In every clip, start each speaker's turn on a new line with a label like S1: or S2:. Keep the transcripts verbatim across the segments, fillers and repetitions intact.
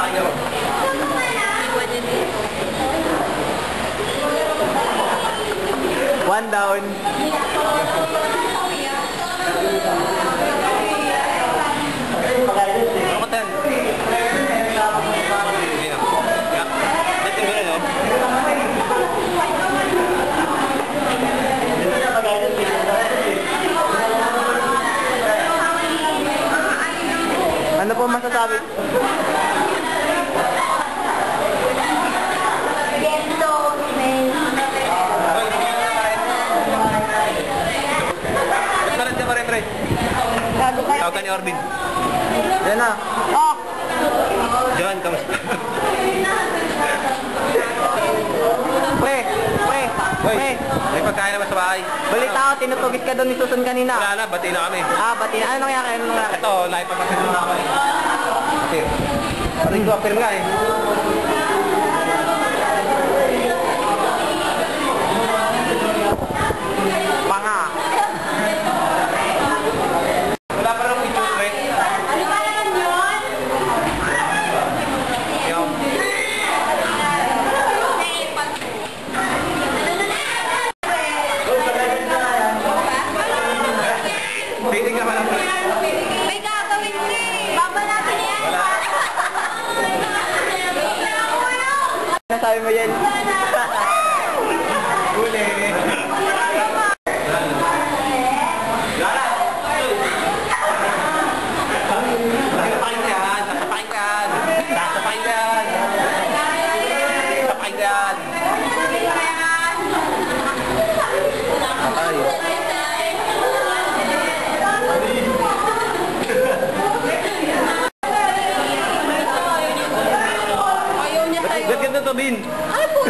S1: One down. Ano po masasabi?
S2: Tawag ka ni Orbin.
S1: Yan na. Oh!
S2: John, kamusta?
S1: Pre! Pre! Pre!
S2: May pagkain naman sa bahay.
S1: Balita ko, tinutugis ka doon ni Susan kanina.
S2: Wala na, bati na kami.
S1: Ah, bati na. Ano nangyari? Ano nangyari?
S2: Ito, naipapagkain na kami. Apir. Aray ko, apir nga eh.
S1: Panga.
S2: Wala pa rin ito, wait.
S3: Ano ba naman yun?
S2: Yung. Piling naman ang
S3: May gagawin ka eh. Baba natin yan.
S2: wala.
S1: Ano sabi mo yan?
S2: Huli. Ba't ganda to, Bin?
S3: Ay po.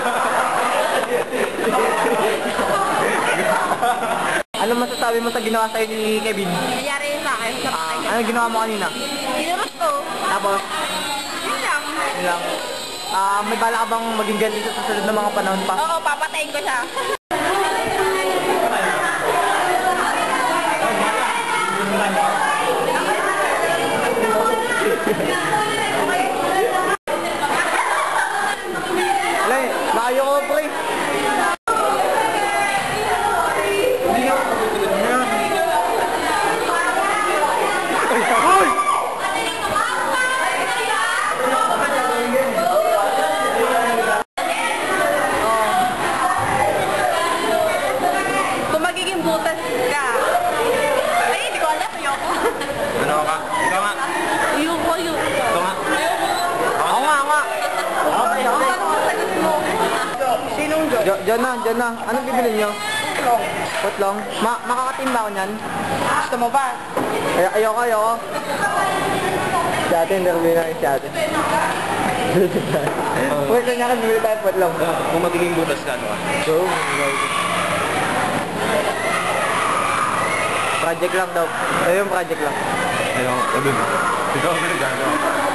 S1: Ano masasabi mo sa ginawa sa'yo ni Kevin?
S3: Nangyari yun sa akin. Sa
S1: Ah,
S3: patay.
S1: ano ginawa mo kanina?
S3: Kinurot ko.
S1: Tapos,
S3: Yun lang.
S1: yun lang. Ah, may bala ka bang maging ganito sa susunod na mga panahon pa?
S3: Oo, papatayin ko siya.
S1: Wala eh, maayo ko pre. Uy!
S3: Kung magiging butas ka. Ay, hindi ko alam. Ayoko.
S2: Ano ka? Ikaw nga.
S3: Ayoko, ayoko.
S2: Ikaw nga.
S1: Ako nga, ako nga. Okay, okay.
S3: Sagot mo.
S1: Sinong Jo? Jo, John na, John na. Anong bibili nyo? Putlong. Putlong? Ma makakatim ba ako nyan? Gusto mo ba? Ay ayoko, ayoko. Si ate, hindi na si ate. Pwede niya kan bibili tayo putlong.
S2: Kung magiging butas ka, ano ka?
S1: So, project lang daw. Ito yung project lang.
S2: Ayun, sabi mo. Ikaw ang nagagawa.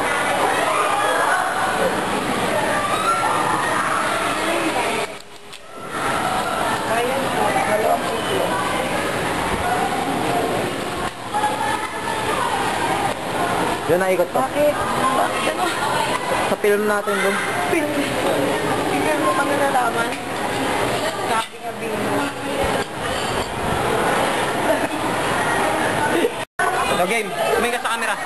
S1: Diyan na ikot to.
S3: Bakit? Bakit ano?
S1: Sa film natin doon.
S3: Film. Hindi mo kami nalaman. Copy nga bingo.
S2: So game, tumingin ka sa camera.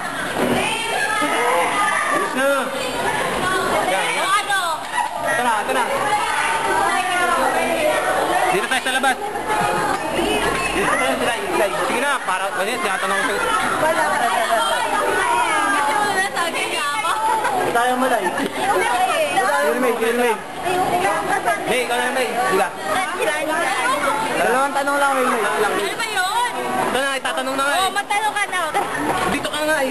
S2: Bilis na. Yan,
S3: O
S2: yan.
S3: ano?
S2: Ito na, ito na. Dito tayo sa labas. Dito tayo sa labas. Sige na, para, kasi tinatanong ko sa'yo.
S3: Wala ka na. Gusto mo na sabi niya ako?
S1: Tayo malay. Filmate, filmate.
S2: May, ikaw na may. Diga.
S1: Dalawang tanong lang, filmate.
S2: Lang.
S3: Ano ba yun?
S2: Ito na, itatanong na nga
S3: Oo,
S2: eh.
S3: matanong ka na.
S2: Dito ka nga eh.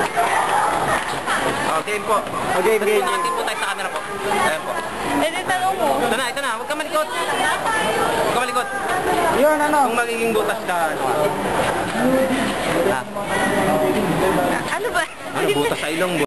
S2: Oh, game po.
S1: Okay, game.
S2: Nakatim po tayo sa camera po. Ayan po.
S3: Eh, di tanong mo.
S2: Ito na, ito na. Huwag ka malikot. Huwag ka malikot.
S1: Yun, ano?
S2: Kung magiging butas ka, ano ka? Ah,
S3: Ano ba?
S2: ano, butas sa ilong.